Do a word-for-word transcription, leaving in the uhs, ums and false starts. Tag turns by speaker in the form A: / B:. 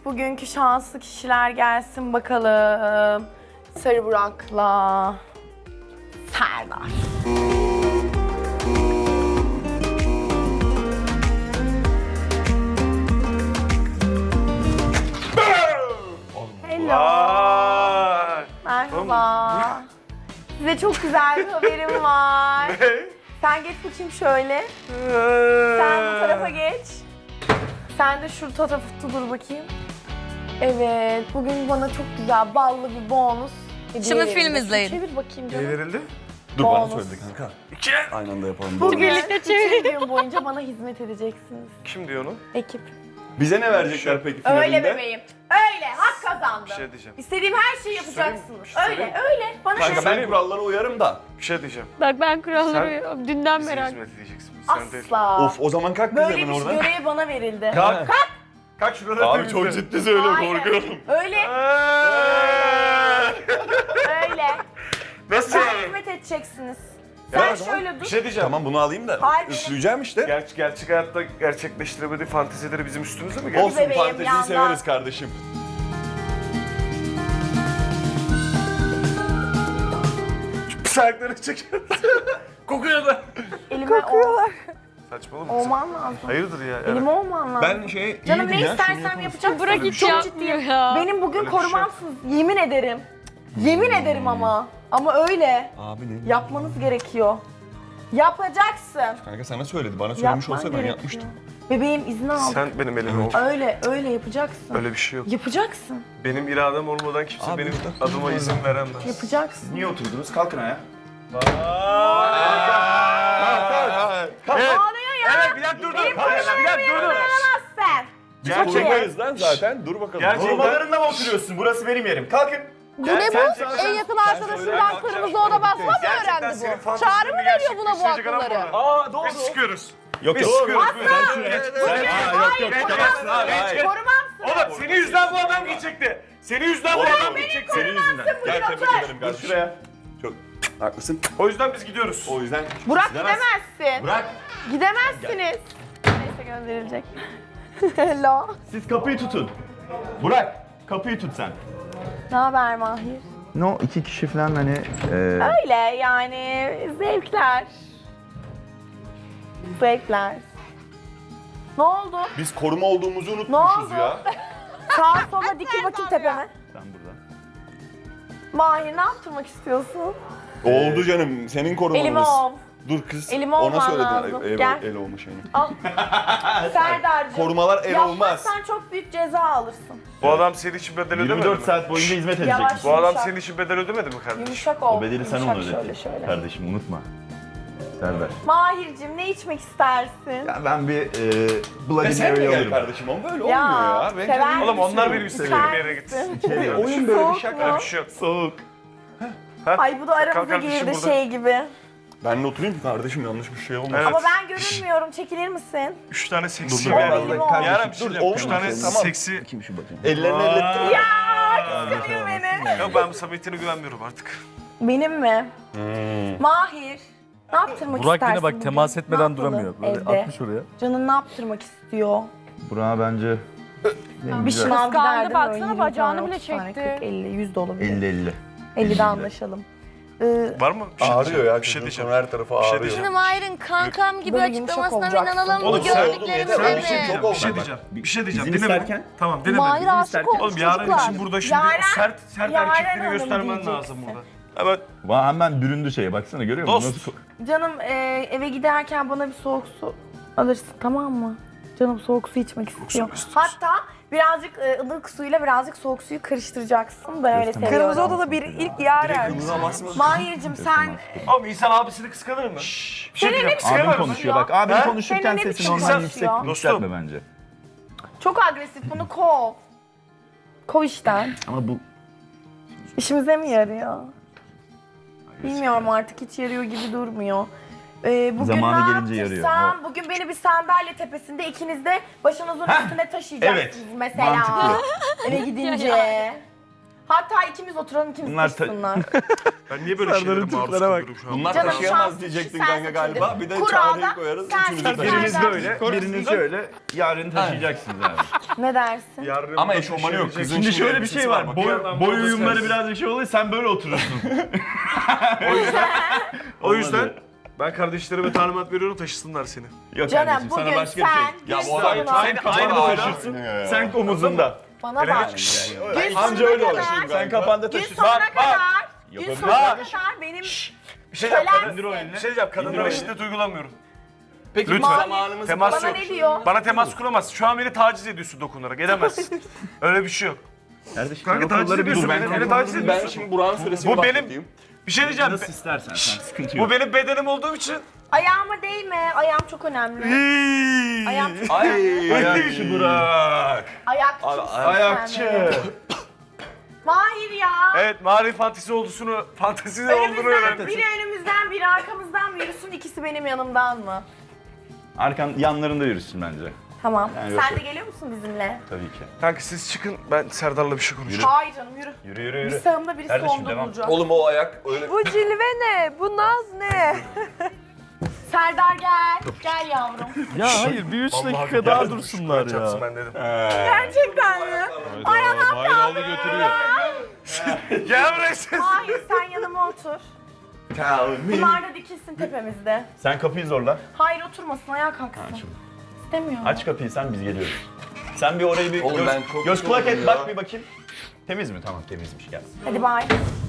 A: bugünkü şanslı kişiler gelsin bakalım. Sarı Burak'la Serdar. Hello.
B: Vay.
A: Merhaba. Size çok güzel bir haberim var. Sen geç bakayım şöyle. Sen bu tarafa geç. Sen de şu tarafta dur bakayım. Evet, bugün bana çok güzel ballı bir bonus hediye
C: Şimdi
A: verildi.
C: film izleyin.
A: Çevir bakayım
B: Ne
A: canım.
B: verildi?
D: Dur bana
A: Bonus.
D: söyledi kanka.
B: İki.
D: Aynı anda yapalım.
A: Bugün
C: Birlikte
A: bütün gün boyunca bana hizmet edeceksiniz.
B: Kim diyor onu?
A: Ekip.
D: Bize ne verecekler peki finalinde?
A: Öyle bebeğim. Öyle. Hak kazandım.
B: Bir şey diyeceğim.
A: İstediğim her şeyi yapacaksınız. Öyle, öyle. Bana
D: Kanka
A: ne?
D: ben kurallara uyarım da.
B: Bir şey diyeceğim.
C: Bak ben kuralları
B: Sen-
C: dünden
B: Bize
C: merak
B: hizmet edeceksin. Sen değil.
A: Asla.
D: Of o zaman kalk kız
A: Böyle
D: hemen
A: bir
D: oradan.
A: görev bana verildi.
B: Kalk. Kalk. Kalk şuradan.
D: Abi çok ciddi söylüyorum
A: Aynen.
D: korkuyorum.
A: Öyle, öyle.
B: Nasıl
A: Bana
B: yani?
A: hizmet edeceksiniz.
D: Ya
A: Sen
D: o zaman
A: şöyle dur.
B: Bir şey diyeceğim.
D: Tamam bunu alayım da.
A: Hayır.
D: Üfleyeceğim işte.
B: Gerçek, gerçek hayatta gerçekleştiremediği fantezileri bizim üstümüze mi geldi?
D: Olsun
A: bebeğim,
D: fanteziyi
A: yandan.
D: severiz kardeşim.
B: Pis ayaklarını çekiyor. Kokuyor da.
A: Elime kokuyorlar.
B: Saçmalama mısın?
A: Olman lazım.
B: Hayırdır ya?
A: Elime olman lazım.
D: Ben şey
A: Canım
D: iyiydim
A: ne
D: ya, şunu
A: istersem
D: yapalım.
A: yapacağım.
C: Bırak hiç
A: Çok
C: yapmıyor
A: ciddiyim.
C: ya.
A: Benim bugün
B: Öyle bir şey yok.
A: korumamsınız. Yemin ederim. Yemin ederim ama. Ama öyle.
D: Abi ne?
A: Yapmanız gerekiyor. Yapacaksın.
D: Kanka sana söyledi. Bana söylemiş
A: Yapman
D: olsa ben
A: gerekiyor.
D: yapmıştım.
A: Bebeğim izni aldım.
B: Sen benim elime ol.
A: Öyle, öyle yapacaksın.
B: Öyle bir şey yok.
A: Yapacaksın.
B: Benim iradem olmadan kimse
D: Abi,
B: benim
D: burada-
B: adıma izin veremez.
A: Yapacaksın.
D: Niye oturdunuz? Kalkın ayağa.
B: Evet.
A: Ağlıyor ya.
B: Evet bir dakika dur dur.
A: Benim
B: Hayır, bir dakika dur dur.
A: Sen.
D: Biz
B: Gerçekten-
D: korumayız lan zaten. Dur bakalım.
B: Gerçekten-
D: Korumalarında mı oturuyorsun? Burası benim yerim. Kalkın.
E: Bu ne bu?
B: sen-
E: En yakın
D: söyle,
E: arkadaşından
D: kalkacağım.
E: kırmızı oda basma mı
B: Gerçekten
E: öğrendi
B: senin
E: bu?
B: fantezilerini
E: Çağrı mı veriyor buna bu
B: gerçekleştirecek adam
E: akılları?
B: burada.
D: Aa doğru.
B: Biz çıkıyoruz.
D: Yok
B: Biz
D: yok.
B: çıkıyoruz.
D: Sen şuraya.
B: Geç,
D: Sen
B: geç,
D: Aa,
B: geç,
D: yok yok.
B: geç,
D: Çıkamazsın
B: geç,
D: abi.
B: geç,
D: hayır.
B: geç.
A: Korumamsın.
B: Oğlum senin yüzünden bu adam gidecekti. Senin yüzünden bu adam gidecekti.
D: Senin yüzünden. Gel tebrik ederim
B: Dur
D: kardeşim.
B: şuraya.
D: Çok haklısın.
B: O yüzden biz gidiyoruz.
D: O yüzden
A: Burak
D: gidemezsin.
A: gidemezsin.
D: Bırak.
A: Gidemezsiniz. Neyse gönderilecek. Hello.
F: Siz kapıyı tutun. Burak, kapıyı tut sen.
A: Ne haber Mahir?
F: No, iki kişi falan hani... e,
A: Öyle yani zevkler. Zevkler. Ne oldu?
D: Biz koruma olduğumuzu
A: Ne
D: unutmuşuz
A: oldu?
D: ya.
A: Sağa sola dikil bakayım tepeme.
F: Sen burada.
A: Mahir ne yaptırmak istiyorsun?
D: Oldu canım. Senin korumanız.
A: Elime ol.
D: Dur kız.
A: Elime
D: Ona
A: olman
D: söyledin.
A: lazım.
D: El,
A: Gel.
D: el olmuş yani.
A: Al. Serdar'cığım.
D: Korumalar el olmaz.
A: Yapmazsan çok büyük ceza alırsın.
B: Bu adam senin için bedel ödemedi
F: yirmi dört
B: mi?
F: saat boyunca hizmet
A: Yavaş.
F: edecekmiş.
B: Bu adam
A: Yumuşak.
B: senin için bedel ödemedi mi kardeşim?
A: Yumuşak ol.
F: O bedeli sen
A: Yumuşak
F: onu
A: şöyle
F: ödedin.
A: şöyle.
F: Kardeşim unutma. Serdar.
A: Mahir'cim ne içmek istersin?
F: Ya ben bir e,
D: Ve
F: Bloody
D: sen de
F: Mary
D: gel
F: alırım.
D: kardeşim. Ama böyle
A: Ya,
D: olmuyor ya. Ben
A: sever
D: kendim-
B: Oğlum onlar
A: misin?
B: benim istediğim
A: İster
B: yere gitsin.
A: misin?
D: İçeri, oyun böyle
A: Soğuk
D: bir şaka.
A: mu?
B: Öyle bir şey yok.
F: Soğuk.
B: Ha?
A: Ay bu da
B: Kalk
A: aramıza
B: kardeşim
A: girdi
B: burada.
A: şey gibi.
D: Ben de oturayım mı kardeşim? Yanlış bir şey olmasın.
B: Evet.
A: Ama ben görünmüyorum. Çekilir misin?
B: Üç tane seksi
D: Dur,
B: bir
D: dur,
B: yer.
D: dur,
A: dur,
B: Yarın bir şey
D: dur,
B: diyeceğim. Üç
D: olmaz.
B: tane
D: Tamam.
B: seksi...
F: Kim şu bakayım?
D: Ellerini ellettim.
A: Ya kıskanıyor beni.
B: Yok ben bu samimiyetine güvenmiyorum artık.
A: Benim mi?
D: Hmm.
A: Mahir. Ne yaptırmak
G: Burak
A: istersin
G: yine bak
A: bugün?
G: temas
A: Ne
G: etmeden
A: yapalım
G: duramıyor. Böyle
A: evde?
G: atmış oraya.
A: Canın ne yaptırmak istiyor?
F: Burak'a bence...
A: Bir
F: güzel.
A: şınav
E: Kıskandı,
A: giderdim
E: baksana,
A: böyle yirmi
E: bacağını
A: tane,
E: bile
A: otuz tane,
E: çekti.
A: kırk, elli, yüz de olabilir.
F: elli elli.
A: ellide anlaşalım. Ee,
B: Var mı? Bir şey
D: Ağrıyor
B: diyeceğim.
D: ya.
B: Bir şey
D: Kızın
B: diyeceğim.
D: sonra her tarafı
B: Bir şey
D: ağrıyor.
B: diyeceğim.
C: Şimdi Mahir'in kankam gibi
A: Böyle yumuşak
C: açıklamasına
A: olacaksın.
C: inanalım mı
B: Oğlum sen-
C: gördüklerimize
D: Sen
B: Bir şey
C: mi?
B: diyeceğim.
D: Çok
B: Bir şey
D: oldu.
B: diyeceğim.
F: Bak,
B: Bir şey diyeceğim.
F: izin
B: Dinle beni.
F: isterken-
B: Tamam dinle
E: Mahir
B: beni.
E: aşık
F: isterken-
E: olmuş
B: Oğlum yarın
E: çocuklar.
B: için burada şimdi
A: Yaren-
B: sert sert
A: Yaren
B: erkekleri
A: Hanım
B: göstermen
A: diyeceksin.
B: lazım burada. Evet.
F: Vay hemen büründü şeye baksana görüyor musun?
B: Dost.
F: Nasıl-
A: canım e, eve giderken bana bir soğuk su alırsın tamam mı? Canım soğuk su içmek istiyor.
B: su mu istiyorsun?
A: Hatta birazcık e, ılık suyla birazcık soğuk suyu karıştıracaksın. Ben öyle
F: Gösterme.
A: seviyorum.
E: Kırmızı odada bir ilk Yaren.
A: Mahir'cim sen
B: Oğlum insan abisini kıskanır mı? Şşş. Bir şey diyeceğim.
F: Abin
B: Kıskanır mısın?
F: konuşuyor bak. Abin
B: Ha?
F: konuşurken
A: Senin ne
F: sesini
A: biçim
F: ondan
A: konuşuyor?
F: yüksek yükseltme bence.
A: çok agresif bunu kov. Kov işten.
F: Ama bu
A: İşimize mi yarıyor? Bilmiyorum artık hiç yarıyor gibi durmuyor. Ee, bugün
F: Zamanı
A: ne
F: gelince yarıyor.
A: yaptırsam, bugün beni bir sandalye tepesinde ikiniz de başınızın üstüne taşıyacaksınız
F: evet.
A: mesela.
F: Mantıklı.
A: Eve gidince. Hatta ikimiz oturalım, ikimiz
F: Bunlar ta-
A: taşısınlar.
B: Ben niye böyle şeylere maruz kalıyorum şu an?
F: Bunlar
A: Canım,
F: taşıyamaz
A: şans-
F: diyecektin
A: sen
F: kanka galiba.
A: seçildin.
F: Bir de
A: Kurada
F: Çağrı'yı koyarız.
A: sen
F: Üçümüzü
A: seçildin.
F: taşıyacağız.
B: Biriniz
A: Serdar.
B: böyle, biriniz şöyle.
F: Yarın taşıyacaksınız abi.
A: Ne dersin?
B: Yarın
F: Ama eşofmanı yok. Kızın
B: Şimdi
F: şimdi şöyle bir şey var.
B: bak,
F: Boy,
B: bir yandan
F: boy
B: burada
F: uyumları
B: sensin.
F: biraz bir şey oluyor. Sen böyle oturursun.
B: O yüzden ben kardeşlerime talimat veriyorum taşısınlar seni.
F: Yok
A: Canım,
F: kardeşim sana
A: bugün
F: başka bir şey.
A: sen
F: Ya
A: bir
F: bu olay
A: sorun
F: sen
A: al.
F: kafanda
D: Aa,
F: taşırsın.
D: ya.
F: Sen omuzunda.
A: Bana bak. Gün
F: Anca
A: sonuna
F: öyle olur.
A: kadar,
F: Sen kafanda
A: gün
F: taşırsın.
A: sonuna
F: Bak,
A: kadar,
F: bak.
A: gün
F: Yapabilir
A: sonuna
F: kardeşim.
A: kadar benim
B: Bir şey diyeceğim,
A: Kölen-
B: kadın,
F: İndir o elini.
B: bir şey diyeceğim, kadınlara
F: İndir o
B: şiddet uygulamıyorum.
F: Peki
B: Lütfen.
F: zamanımız
B: Temas
A: bana
B: yok.
A: ne diyor?
B: Bana temas kuramazsın. Şu an beni taciz ediyorsun dokunarak. Edemezsin. Öyle bir şey yok.
F: Kardeşim
B: Kanka taciz ediyorsun beni. Beni taciz
D: Ben
B: ediyorsun.
D: şimdi Burak'ın süresini
B: Bu benim-
D: başlatayım.
B: Bir şey diyeceğim.
F: Nasıl istersen sen sıkıntı
B: Bu
F: yok.
B: benim bedenim olduğum için.
A: Ayağıma değme. Ayağım çok önemli. Ayağım çok
F: Ay
A: önemli.
F: ayakçı Burak.
A: Ayakçısın
F: Ayakçı.
A: sen benim. Mahir ya.
B: Evet, mağara fantezi olduğunu, fantezi olduğunu
A: Önümüzden,
B: öğrendim.
A: biri önümüzden, biri arkamızdan mı yürüsün, ikisi benim yanımdan mı?
F: Arkan yanlarında yürüsün bence.
A: Tamam.
F: Yani yok,
A: Sen
F: yok.
A: de geliyor musun bizimle?
F: Tabii ki.
B: Kanka siz çıkın, ben Serdar'la bir şey konuşacağım.
A: Hayır canım yürü.
F: Yürü yürü
A: Bir
F: yürü.
A: sağımda birisi
F: Kardeşim,
A: solumda
F: devam.
A: duracak.
D: Oğlum o ayak öyle...
E: Bu cilve ne? Bu naz ne?
A: Serdar gel. Gel yavrum.
F: Ya hayır bir üç
B: Vallahi
F: dakika
B: gel
F: daha
B: dedim,
F: dursunlar
B: şuraya çarpsın
F: ya.
B: ben dedim.
A: Gerçekten mi?
D: Hayır aldı götürüyor.
B: Gel buraya siz.
A: Hayır sen yanıma otur. Bunlar da dikilsin tepemizde.
F: Sen kapıyı zorla.
A: Hayır oturmasın ayağa kalksın. İstemiyorum.
F: Aç kapıyı sen biz geliyoruz. Sen bir orayı bir
D: Oğlum
F: göz,
D: ben çok
F: göz kulak
D: yoruldum
F: et
D: ya.
F: bak bir bakayım. Temiz mi? Tamam temizmiş gel.
A: Hadi bay.